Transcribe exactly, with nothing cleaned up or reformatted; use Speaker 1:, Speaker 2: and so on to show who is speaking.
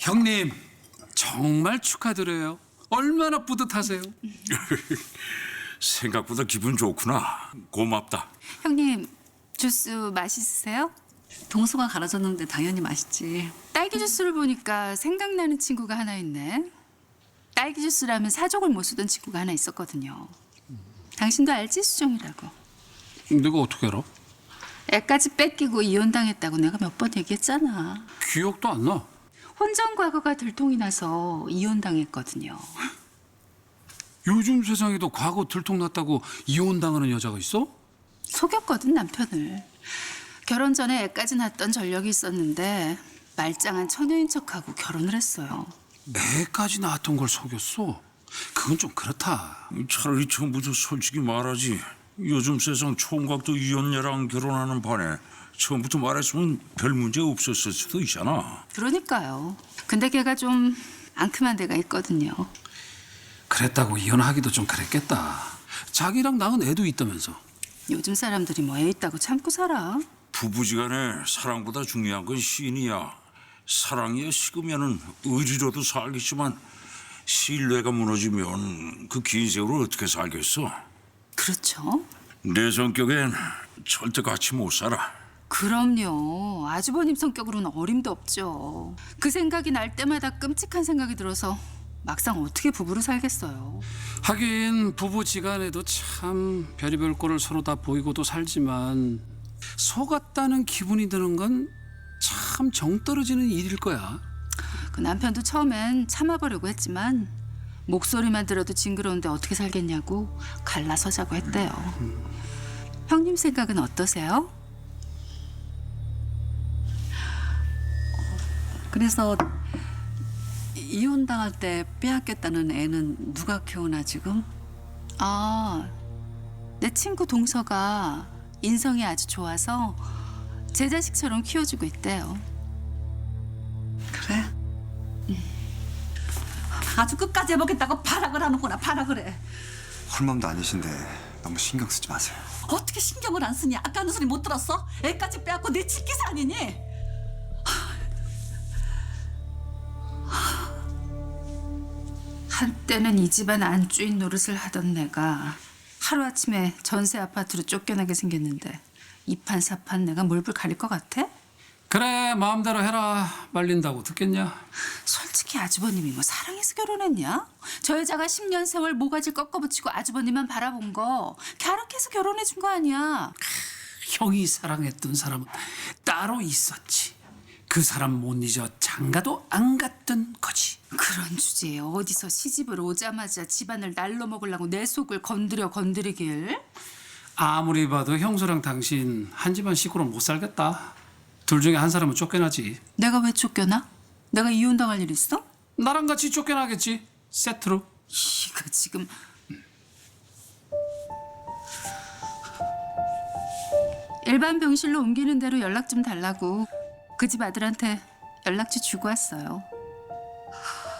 Speaker 1: 형님 정말 축하드려요. 얼마나 뿌듯하세요?
Speaker 2: 생각보다 기분 좋구나. 고맙다.
Speaker 3: 형님 주스 맛있으세요?
Speaker 4: 동서가 갈아줬는데 당연히 맛있지.
Speaker 3: 딸기 주스를 보니까 생각나는 친구가 하나 있네. 딸기 주스라면 사족을 못 쓰던 친구가 하나 있었거든요. 당신도 알지? 수정이라고.
Speaker 1: 내가 어떻게 알아?
Speaker 3: 애까지 뺏기고 이혼당했다고 내가 몇 번 얘기했잖아.
Speaker 1: 기억도 안 나.
Speaker 3: 혼전 과거가 들통이 나서 이혼당했거든요.
Speaker 1: 요즘 세상에도 과거 들통났다고 이혼당하는 여자가 있어?
Speaker 3: 속였거든 남편을. 결혼 전에 애까지 낳았던 전력이 있었는데 말짱한 처녀인 척하고 결혼을 했어요.
Speaker 1: 애까지 낳았던 걸 속였어? 그건 좀 그렇다.
Speaker 2: 차라리 처음부터 솔직히 말하지. 요즘 세상 총각도 이혼녀랑 결혼하는 판에 처음부터 말했으면 별 문제 없었을 수도 있잖아.
Speaker 3: 그러니까요. 근데 걔가 좀 앙큼한 데가 있거든요.
Speaker 1: 그랬다고 이혼하기도 좀 그랬겠다. 자기랑 낳은 애도 있다면서.
Speaker 3: 요즘 사람들이 뭐 애 있다고 참고 살아.
Speaker 2: 부부지간에 사랑보다 중요한 건 신이야. 사랑이 식으면은 의리로도 살겠지만 신뢰가 무너지면 그 긴 세월을 어떻게 살겠어?
Speaker 3: 그렇죠.
Speaker 2: 내 성격엔 절대 같이 못 살아.
Speaker 3: 그럼요. 아주버님 성격으로는 어림도 없죠. 그 생각이 날 때마다 끔찍한 생각이 들어서 막상 어떻게 부부로 살겠어요.
Speaker 1: 하긴 부부지간에도 참 별의별 꼴을 서로 다 보이고도 살지만 속았다는 기분이 드는 건 참 정 떨어지는 일일 거야.
Speaker 3: 그 남편도 처음엔 참아보려고 했지만 목소리만 들어도 징그러운데 어떻게 살겠냐고 갈라서자고 했대요. 형님 생각은 어떠세요?
Speaker 4: 그래서 이혼 당할 때 빼앗겼다는 애는 누가 키우나 지금?
Speaker 3: 아, 내 친구 동서가 인성이 아주 좋아서 제 자식처럼 키워주고 있대요.
Speaker 4: 그래? 아주 끝까지 해보겠다고 발악을 하는구나. 발악을 해.
Speaker 5: 헐맘도 아니신데 너무 신경 쓰지 마세요.
Speaker 4: 어떻게 신경을 안 쓰니? 아까 하는 소리 못 들었어? 애까지 빼앗고 내 칠기사 아니니?
Speaker 3: 한때는 이 집안 안주인 노릇을 하던 내가 하루아침에 전세 아파트로 쫓겨나게 생겼는데 이판사판 내가 몰불 가릴 것 같아?
Speaker 1: 그래 마음대로 해라. 말린다고 듣겠냐?
Speaker 3: 솔직히 아주버님이 뭐 사랑해서 결혼했냐? 저 여자가 십 년 세월 모가지 꺾어붙이고 아주버님만 바라본 거 갸륵해서 결혼해 준 거 아니야.
Speaker 1: 형이 사랑했던 사람은 따로 있었지. 그 사람 못 잊어 장가도 안 갔던 거지.
Speaker 3: 그런 주제에 어디서 시집을 오자마자 집안을 날로 먹으려고 내 속을 건드려 건드리길.
Speaker 1: 아무리 봐도 형수랑 당신 한 집안 식구로 못 살겠다. 둘 중에 한 사람은 쫓겨나지.
Speaker 3: 내가 왜 쫓겨나? 내가 이혼당할 일 있어?
Speaker 1: 나랑 같이 쫓겨나겠지. 세트로.
Speaker 3: 이거 지금 일반 병실로 옮기는 대로 연락 좀 달라고 그 집 아들한테 연락처 주고 왔어요.